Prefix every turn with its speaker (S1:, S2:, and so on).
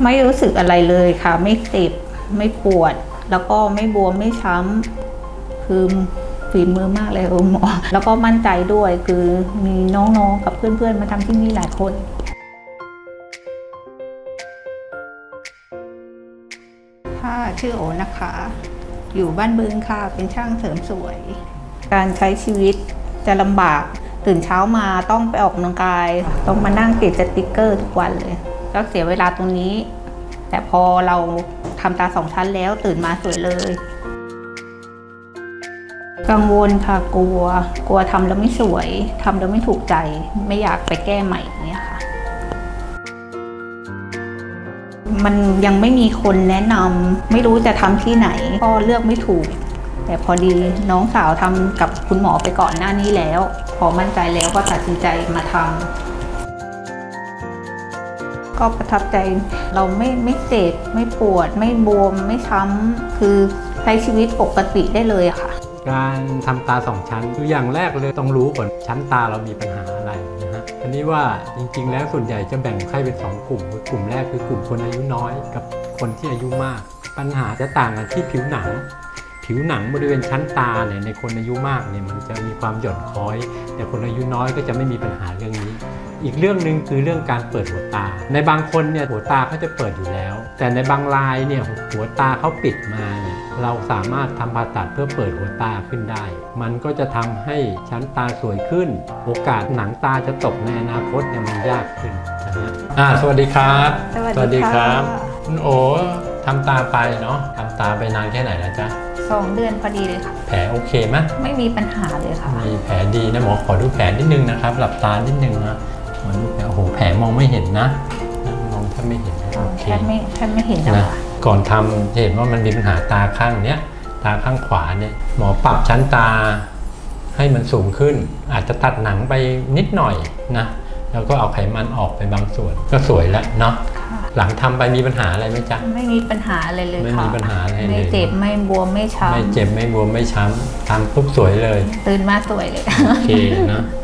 S1: ไม่รู้สึกอะไรเลยค่ะไม่เจ็บไม่ปวดแล้วก็ไม่บวมไม่ช้ำคือฝีมือมากเลยคุณหมอแล้วก็มั่นใจด้วยคือมีน้องๆกับเพื่อนๆมาทำที่นี่หลายคนค่ะชื่อโอนะคะอยู่บ้านบึงค่ะเป็นช่างเสริมสวยการใช้ชีวิตจะลำบากตื่นเช้ามาต้องไปออกกำลังกายต้องมานั่งติดสติ๊กเกอร์ทุกวันเลยก็เสียเวลาตรงนี้แต่พอเราทำตา2 ชั้นแล้วตื่นมาสวยเลยกังวลค่ะกลัวทำแล้วไม่สวยทำแล้วไม่ถูกใจไม่อยากไปแก้ใหม่อย่างเงี้ยค่ะมันยังไม่มีคนแนะนำไม่รู้จะทำที่ไหนก็เลือกไม่ถูกแต่พอดีน้องสาวทำกับคุณหมอไปก่อนหน้านี้แล้วพอมั่นใจแล้วก็ตัดสินใจมาทำก็ประทับใจเราไม่เจ็บไม่ปวดไม่บวมไม่ช้ำคือใช้ชีวิตปกติได้เลยอะค่ะ
S2: การทำตา2 ชั้นคืออย่างแรกเลยต้องรู้ก่อนชั้นตาเรามีปัญหาอะไรนะฮะอันนี้ว่าจริงๆแล้วส่วนใหญ่จะแบ่งไข้เป็น2 กลุ่มกลุ่มแรกคือกลุ่มคนอายุน้อยกับคนที่อายุมากปัญหาจะต่างกันที่ผิวหนังบริเวณชั้นตาเนี่ยในคนอายุมากเนี่ยมันจะมีความหย่อนคล้อยแต่คนอายุน้อยก็จะไม่มีปัญหาเรื่องนี้อีกเรื่องหนึ่งคือเรื่องการเปิดหัวตาในบางคนเนี่ยหัวตาเขาจะเปิดอยู่แล้วแต่ในบางรายเนี่ยหัวตาเขาปิดมาเนี่ยเราสามารถทำผ่าตัดเพื่อเปิดหัวตาขึ้นได้มันก็จะทำให้ชั้นตาสวยขึ้นโอกาสหนังตาจะตกในอนาคตเนี่ยมันยากขึ้นนะฮะสวัสดีครับ
S1: สวัสดีครับ
S2: คุณโอทำตาไปเนาะทำตาไปนานแค่ไหนแล้วจ๊ะ
S1: 2 เดือนพอดีเลยค่ะ
S2: แผลโอเคไหม
S1: ไม่มีปัญหาเลยค่ะ
S2: มีแผลดีนะหมอขอดูแผลนิดนึงนะครับหลับตานิดนึงนะหมอดูแผลโอ้โหแผลมองไม่เห็นนะมองแทบไม่เห็นโอเค
S1: แทบไม่เห็นนะ
S2: ก่อนทำเห็นว่ามันมีปัญหาตาข้างเนี้ยตาข้างขวาเนี่ยหมอปรับชั้นตาให้มันสูงขึ้นอาจจะตัดหนังไปนิดหน่อยนะแล้วก็เอาไขมันออกไปบางส่วนก็สวยแล้วเนาะหลังทำไปมีปัญหาอะไรไหมจ๊ะ
S1: ไม่มีปัญหาอะไรเลยค่ะ
S2: ไม่มีปัญหาอะไรเลย
S1: ไม่เจ็บไม่บวมไม่ช้ำ
S2: ไม่เจ็บไม่บวมไม่ช้ำทำปุ๊บสวยเลย
S1: ตื่นมาสวยเลย
S2: โอเคนะ